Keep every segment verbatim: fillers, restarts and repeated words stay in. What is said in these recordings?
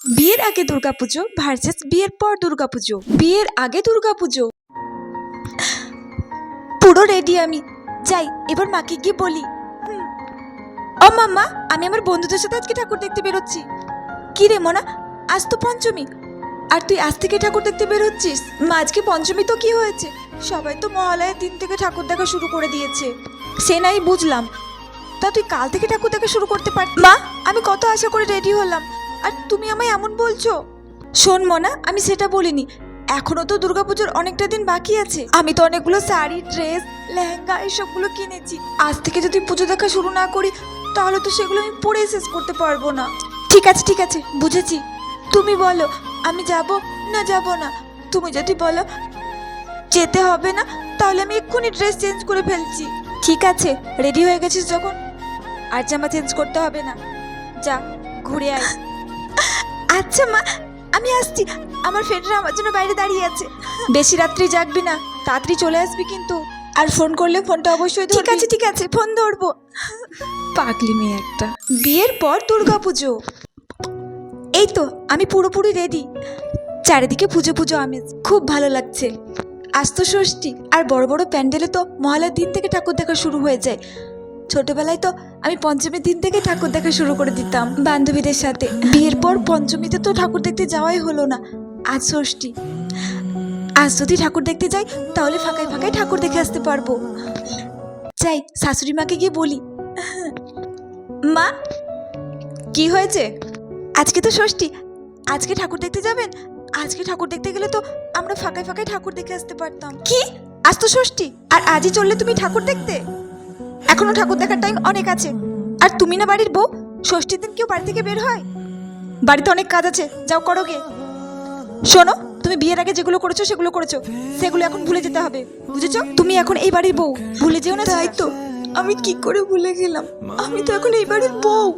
বিয়ের আগে দুর্গাপুজো ভার্সেস বিয়ের পর দুর্গাপুজো। বিয়ের আগে দুর্গাপুজো। পুরো রেডি আমি, যাই এবার মাকে গিয়ে বলি। ও মাম্মা, আমি আমার বন্ধুদের সাথে আজকে ঠাকুর দেখতে বেরোচ্ছি। কি রে মনা, আজ তো পঞ্চমী, আর তুই আজ থেকে ঠাকুর দেখতে বেরোচ্ছিস? মা আজকে পঞ্চমী তো কি হয়েছে, সবাই তো মহালয়ের দিন থেকে ঠাকুর দেখা শুরু করে দিয়েছে। সে নাই বুঝলাম, তা তুই কাল থেকে ঠাকুর দেখা শুরু করতে পার। মা, আমি কত আশা করে রেডি হলাম, আর তুমি আমায় এমন বলছো। শোন মনা, আমি সেটা বলিনি, এখনো তো দুর্গাপুজোর অনেকটা দিন বাকি আছে। আমি তো অনেকগুলো শাড়ি, ড্রেস, লেহেঙ্গা এসবগুলো কিনেছি। আজ থেকে যদি পুজো দেখা শুরু না করি তাহলে তো সেগুলো আমি পরে শেষ করতে পারবো না। ঠিক আছে ঠিক আছে, বুঝেছি। তুমি বলো আমি যাব না যাব না। তুমি যদি বলো যেতে হবে না তাহলে আমি এক্ষুনি ড্রেস চেঞ্জ করে ফেলছি। ঠিক আছে, রেডি হয়ে গেছিস যখন আর জামা চেঞ্জ করতে হবে না, যা ঘুরে আয়। আচ্ছা মা, আমি আসছি, আমার ফ্রেন্ডরা আমার জন্য বাইরে দাঁড়িয়ে আছে। বেশি রাত্রি জাগবি না, তাড়াতাড়ি চলে আসবি কিন্তু। আর ফোন করলে ফোনটা অবশ্যই ধরবি। ঠিক আছে ঠিক আছে, ফোন ধরবো। পাগলি মেয়ে একটা। বিয়ের পর দুর্গাপুজো। এই তো আমি পুরোপুরি রেডি, চারিদিকে পুজো পুজো আমেজ, খুব ভালো লাগছে। আজ তো ষষ্ঠী, আর বড় বড় প্যান্ডেলে তো মহালয়ার দিন থেকে ঠাকুর দেখা শুরু হয়ে যায়। ছোটবেলায় তো আমি পঞ্চমীর দিন থেকে ঠাকুর দেখা শুরু করে দিতাম বান্ধবীদের সাথে। বিয়ের পর পঞ্চমীতে তো ঠাকুর দেখতে যাওয়াই হলো না, আজ ষষ্ঠী। আজ যদি ঠাকুর দেখতে যাই তাহলে ফাঁকায় ফাঁকায় ঠাকুর দেখে আসতে পারবো। যাই শাশুড়ি মাকে গিয়ে বলি। মা, কি হয়েছে? আজকে তো ষষ্ঠী, আজকে ঠাকুর দেখতে যাবেন? আজকে ঠাকুর দেখতে গেলে তো আমরা ফাঁকায় ফাঁকায় ঠাকুর দেখে আসতে পারতাম। কি, আজ তো ষষ্ঠী আর আজই চললে তুমি ঠাকুর দেখতে? এখনো ঠাকুর দেখার টাইম অনেক আছে। আর তুমি না বাড়ির বউ, ষষ্ঠীর দিন কেউ বাড়ি থেকে বের হয়? বাড়িতে অনেক কাজ আছে, যাও করো গে। শোনো, তুমি বিয়ের আগে যেগুলো করেছো সেগুলো করেছো, সেগুলো এখন ভুলে যেতে হবে, বুঝেছো? তুমি এখন এই বাড়ির বউ, ভুলে যেও না। তাই তো, আমি কি করে ভুলে গেলাম, আমি তো এখন এই বাড়ির বউ।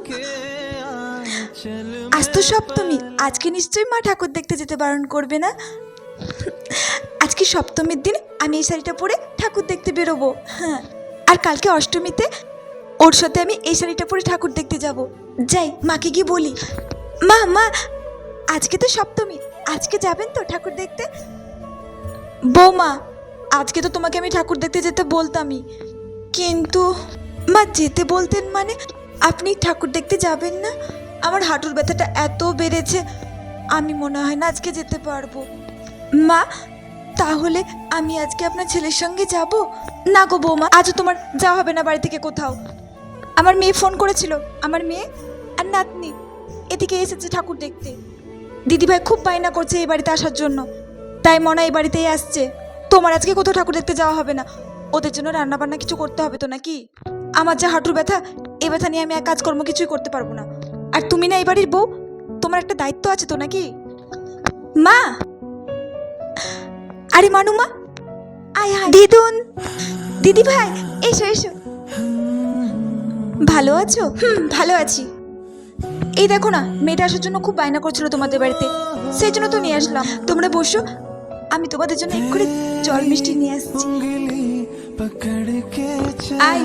আজ তো সপ্তমী, আজকে নিশ্চয়ই মা ঠাকুর দেখতে যেতে বারণ করবে না। আজকে সপ্তমীর দিন আমি এই শাড়িটা পরে ঠাকুর দেখতে বেরোবো। হ্যাঁ, আর কালকে অষ্টমীতে ওর সাথে আমি এই শাড়িটা পরে ঠাকুর দেখতে যাব। যাই মাকে গিয়ে বলি। মা মা, আজকে তো সপ্তমী, আজকে যাবেন তো ঠাকুর দেখতে? বৌমা, আজকে তো তোমাকে আমি ঠাকুর দেখতে যেতে বলতামই, কিন্তু মা যেতে বলতেন মানে আপনি ঠাকুর দেখতে যাবেন না? আমার হাঁটুর ব্যথাটা এত বেড়েছে, আমি মনে হয় না আজকে যেতে পারবো। মা, তাহলে আমি আজকে আপনার ছেলের সঙ্গে যাব? না গো বৌমা, আজও তোমার যাওয়া হবে না বাড়ি থেকে কোথাও। আমার মেয়ে ফোন করেছিল, আমার মেয়ে আর নাতনি এদিকে এসেছে ঠাকুর দেখতে। দিদিভাই খুব বায়না করছে এই বাড়িতে আসার জন্য, তাই মনে এই বাড়িতেই আসছে। তোমার আজকে কোথাও ঠাকুর দেখতে যাওয়া হবে না, ওদের জন্য রান্না বান্না কিছু করতে হবে তো নাকি? আমার যা হাঁটুর ব্যথা, এই ব্যথা নিয়ে আমি আর কাজকর্ম কিছুই করতে পারবো না। আর তুমি না এই বাড়ির বউ, তোমার একটা দায়িত্ব আছে তো নাকি? মা, আরে মানু মা, আয় হায়। দিদুন, দিদি ভাই, এসো এসো। ভালো আছো? হুম, ভালো আছি। এই দেখো না, মেয়েটা আসার জন্য খুব বায়না করছিল তোমাদের বাড়িতে, সেই জন্য তো নিয়ে আসলাম। তোমরা বসো, আমি তোমাদের জন্য এক করে জল মিষ্টি নিয়ে আসছি। আয়।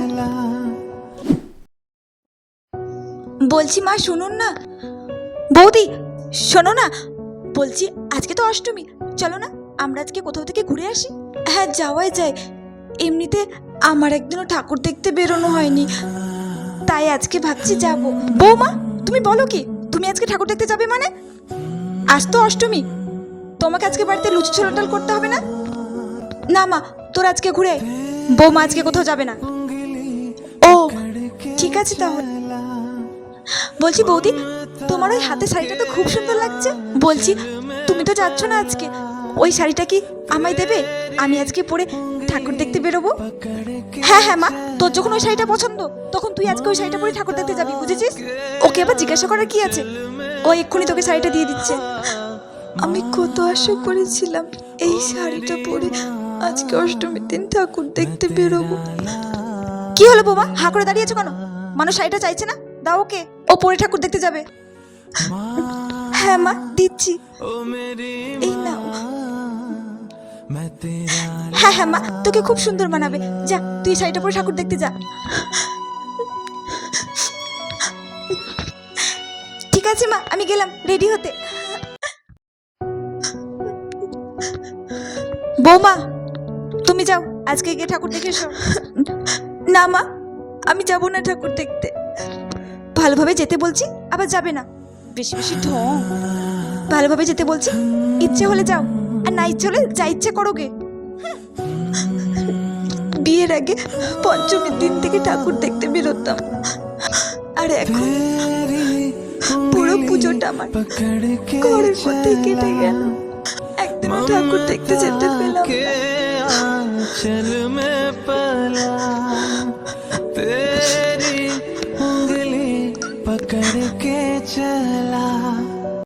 বলছি মা শুনুন না। বৌদি শোনো না, বলছি আজকে তো অষ্টমী, চলো না আমরা আজকে কোথাও থেকে ঘুরে আসি। হ্যাঁ যাওয়াই যায়, এমনিতে আমার একদিনও ঠাকুর দেখতে বেরোনো হয়নি, তাই আজকে ভাবছি যাবো। বৌমা, তুমি বলো কি, তুমি আজকে ঠাকুর দেখতে যাবে মানে? আজ তো অষ্টমী, তোমাকে আজকে বাড়িতে লুচি ছোলা ডাল করতে হবে না? না মা, তোর আজকে ঘুরে। বৌমা আজকে কোথাও যাবে না। ও ঠিক আছে তাহলে। বলছি বৌদি, তোমার ওই হাতে শাড়িটা তো খুব সুন্দর লাগছে। বলছি তুমি তো যাচ্ছ না আজকে, ওই শাড়িটা কি আমায় দেবে? আমি আজকে পরে ঠাকুর দেখতে বেরোবো। হ্যাঁ হ্যাঁ মা, তোর যখন ওই শাড়িটা পছন্দ তখন তুই আজকে ওই শাড়িটা পরে ঠাকুর দেখতে যাবি, বুঝেছিস? ওকে আবার জিজ্ঞাসা করার কি আছে, ও এক্ষুনি তোকে শাড়িটা দিয়ে দিচ্ছে। আমি কত আশা করেছিলাম এই শাড়িটা পরে আজকে অষ্টমীর দিন ঠাকুর দেখতে বেরোবো। কি হলো বৌমা, হা করে দাঁড়িয়েছো কেন? মানুষ শাড়িটা চাইছে না, দাও ওকে, ও পরে ঠাকুর দেখতে যাবে। হ্যাঁ মা, দিচ্ছি, এই নাও। হ্যাঁ হ্যাঁ মা, তোকে খুব সুন্দর মানাবে, যা তুই শাড়িটা পরে ঠাকুর দেখতে যা। ঠিক ঠিক আছে মা, আমি গেলাম রেডি হতে। বৌমা, তুমি যাও, আজকে গিয়ে ঠাকুর দেখে এসো। না মা, আমি যাব না ঠাকুর দেখতে। ভালোভাবে যেতে বলছি, আবার যাবে না, বেশি বেশি ঢং। ভালোভাবে যেতে বলছি, ইচ্ছে হলে যাও, আর না ইচ্ছে হলে যা ইচ্ছে করোগে। বিয়ের আগে পঞ্চমীর দিন থেকে ঠাকুর দেখতে বেরোতাম, আর এখন পুরো পুজোটা আমার ঘরের মধ্যে কেটে গেল, একদিনও ঠাকুর দেখতে যেতে পেলাম না। चल में पला तेरी उंगली पकड़ के चला।